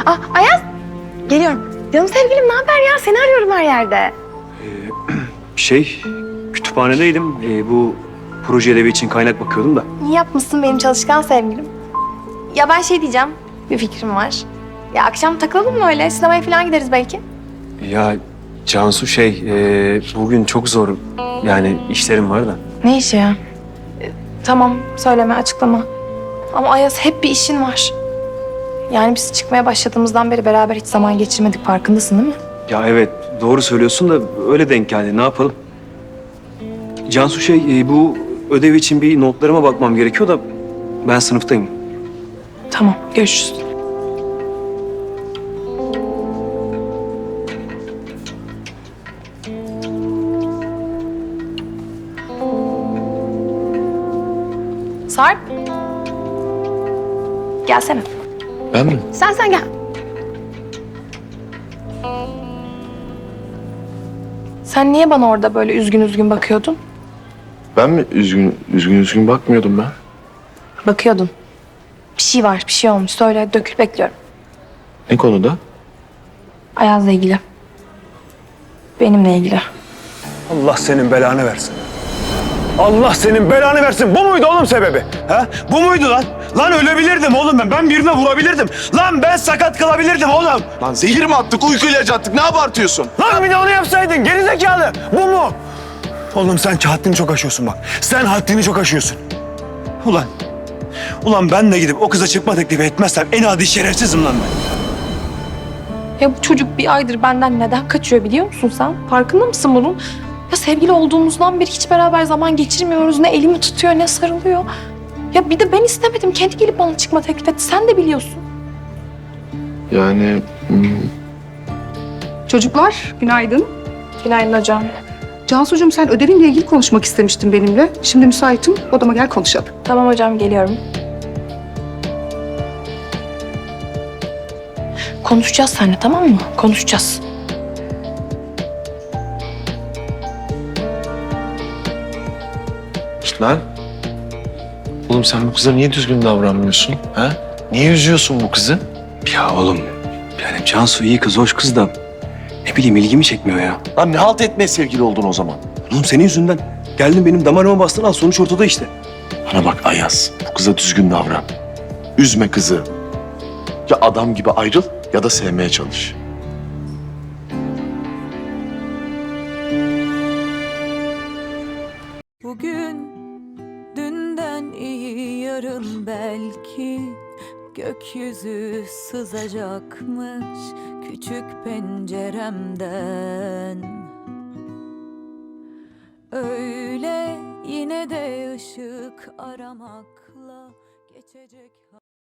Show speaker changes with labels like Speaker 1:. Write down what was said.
Speaker 1: Ayaz! Geliyorum. Canım sevgilim, ne haber ya? Seni arıyorum her yerde.
Speaker 2: Kütüphanedeydim. Bu proje ödevi için kaynak bakıyordum da.
Speaker 1: İyi yapmışsın benim çalışkan sevgilim. Ya ben şey diyeceğim, bir fikrim var. Ya akşam takılalım mı öyle? Sinemaya falan gideriz belki.
Speaker 2: Ya Cansu bugün çok zor. Yani işlerim var da.
Speaker 1: Ne işi ya? Tamam, söyleme, açıklama. Ama Ayaz hep bir işin var. Yani biz çıkmaya başladığımızdan beri beraber hiç zaman geçirmedik, farkındasın değil mi?
Speaker 2: Ya evet, doğru söylüyorsun da öyle denk geldi. Ne yapalım? Cansu bu ödev için bir notlarıma bakmam gerekiyor da ben sınıftayım.
Speaker 1: Tamam, görüşürüz. Sarp. Gelsene.
Speaker 3: Ben mi?
Speaker 1: Sen gel. Sen niye bana orada böyle üzgün üzgün bakıyordun?
Speaker 3: Ben mi? Üzgün bakmıyordum ben.
Speaker 1: Bakıyordun. Bir şey var, bir şey olmuş. Söyle, dökül, bekliyorum.
Speaker 3: Ne konuda?
Speaker 1: Ayaz'la ilgili. Benimle ilgili.
Speaker 4: Allah senin belanı versin. Allah senin belanı versin. Bu muydu oğlum sebebi? Ha? Bu muydu lan? Lan ölebilirdim oğlum ben. Ben birine vurabilirdim. Lan ben sakat kalabilirdim oğlum.
Speaker 3: Lan zehir mi attık, uyku ilacı attık? Ne abartıyorsun?
Speaker 4: Lan bir de onu yapsaydın gerizekalı. Bu mu? Oğlum sen haddini çok aşıyorsun bak. Sen haddini çok aşıyorsun. Ulan ben de gidip o kıza çıkma teklifi etmezsem en adi şerefsizim lan ben.
Speaker 1: Ya bu çocuk bir aydır benden neden kaçıyor biliyor musun sen? Farkında mısın bunun? Ya sevgili olduğumuzdan beri hiç beraber zaman geçirmiyoruz. Ne elimi tutuyor ne sarılıyor. Ya bir de ben istemedim. Kendi gelip bana çıkma teklif etti. Sen de biliyorsun.
Speaker 3: Yani...
Speaker 5: Çocuklar, günaydın.
Speaker 1: Günaydın hocam.
Speaker 5: Cansucuğum sen ödevinle ilgili konuşmak istemiştin benimle. Şimdi müsaitim, odama gel konuşalım.
Speaker 1: Tamam hocam, geliyorum. Konuşacağız seninle, tamam mı? Konuşacağız.
Speaker 3: Lan. Oğlum sen bu kıza niye düzgün davranmıyorsun? Ha? Niye üzüyorsun bu kızı?
Speaker 2: Ya oğlum, yani Cansu iyi kız, hoş kız da ne bileyim ilgimi çekmiyor ya.
Speaker 3: Lan ne halt etmeye sevgili oldun o zaman?
Speaker 2: Oğlum senin yüzünden. Geldin benim damarıma bastın, al sonuç ortada işte.
Speaker 3: Bana bak Ayaz, bu kıza düzgün davran. Üzme kızı. Ya adam gibi ayrıl ya da sevmeye çalış.
Speaker 6: Bugün dünden iyi yarın belki gökyüzü sızacakmış küçük penceremden. Öyle yine de ışık aramakla geçecek.